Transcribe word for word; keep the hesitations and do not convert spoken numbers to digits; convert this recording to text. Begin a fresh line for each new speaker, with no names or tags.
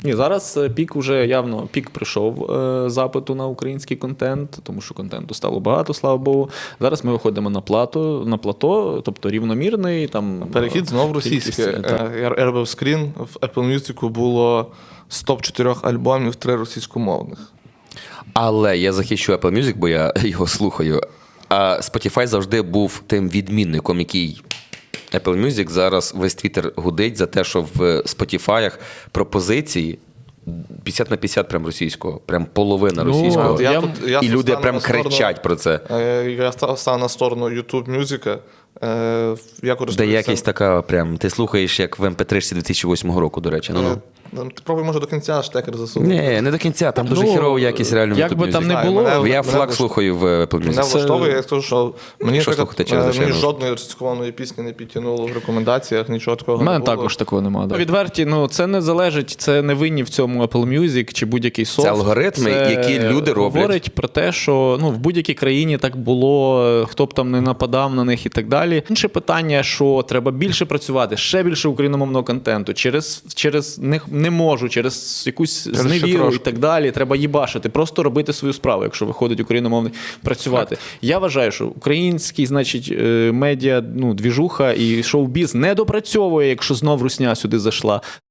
Ні, зараз е, пік уже явно, пік прийшов е, запиту на український контент, тому що контенту стало багато, слава Богу. Зараз ми виходимо на плато, на плато, тобто рівномірний. Там,
Перехід знов російське.
кількість, так.
Е, Я робив скрін, в Apple Music було з топ чотирьох альбомів три російськомовних.
Але я захищу Apple Music, бо я його слухаю. А Spotify завжди був тим відмінником, який Apple Music зараз весь твіттер гудить за те, що в Spotify пропозиції п'ятдесят на п'ятдесят прям російського, прям половина
Ну,
російського.
от я-
тут- я
І
тут
люди
стану
прям
на сторону-
кричать про це.
Е, Я став став на сторону YouTube Music. Е, Я
Де
користуюся...
якісь така прям, ти слухаєш як в ем пі три дві тисячі восьмого року, до речі. Ну, ну.
Е, Ти пробуй, може, до кінця штекер засунути.
Ні, не до кінця, там дуже
Ну,
хірова якість реально в
як
YouTube
би там
Music.
не
Знаю,
було,
мене-
Я
мене
флаг
влаш-
слухаю в Apple
Мене
Music.
влаштовує, я скажу, що мені,
Що
наприклад,
слухати через
е, мені
звичайно?
жодної російськомовної пісні не підтягнуло в рекомендаціях, нічого такого
У мене
не було.
також такого немає. Да. Відверті, ну це не залежить, це не винні в цьому Apple Music чи будь-який софт.
алгоритми, які люди роблять.
Говорить про те, що ну, в будь-якій країні так було, хто б там не нападав на них і так далі. Інше питання, що треба більше працювати, ще більше україномовного контенту. Через, через не, не можу, через якусь
ще
зневіру і
трошки.
так далі. Треба їбашити, просто робити свою справу, якщо виходить україномовний, працювати. Я вважаю, що український, значить, е, медіа, ну, двіжуха і шоу-біз не допрацьовує, якщо знов русня сюди зайшла.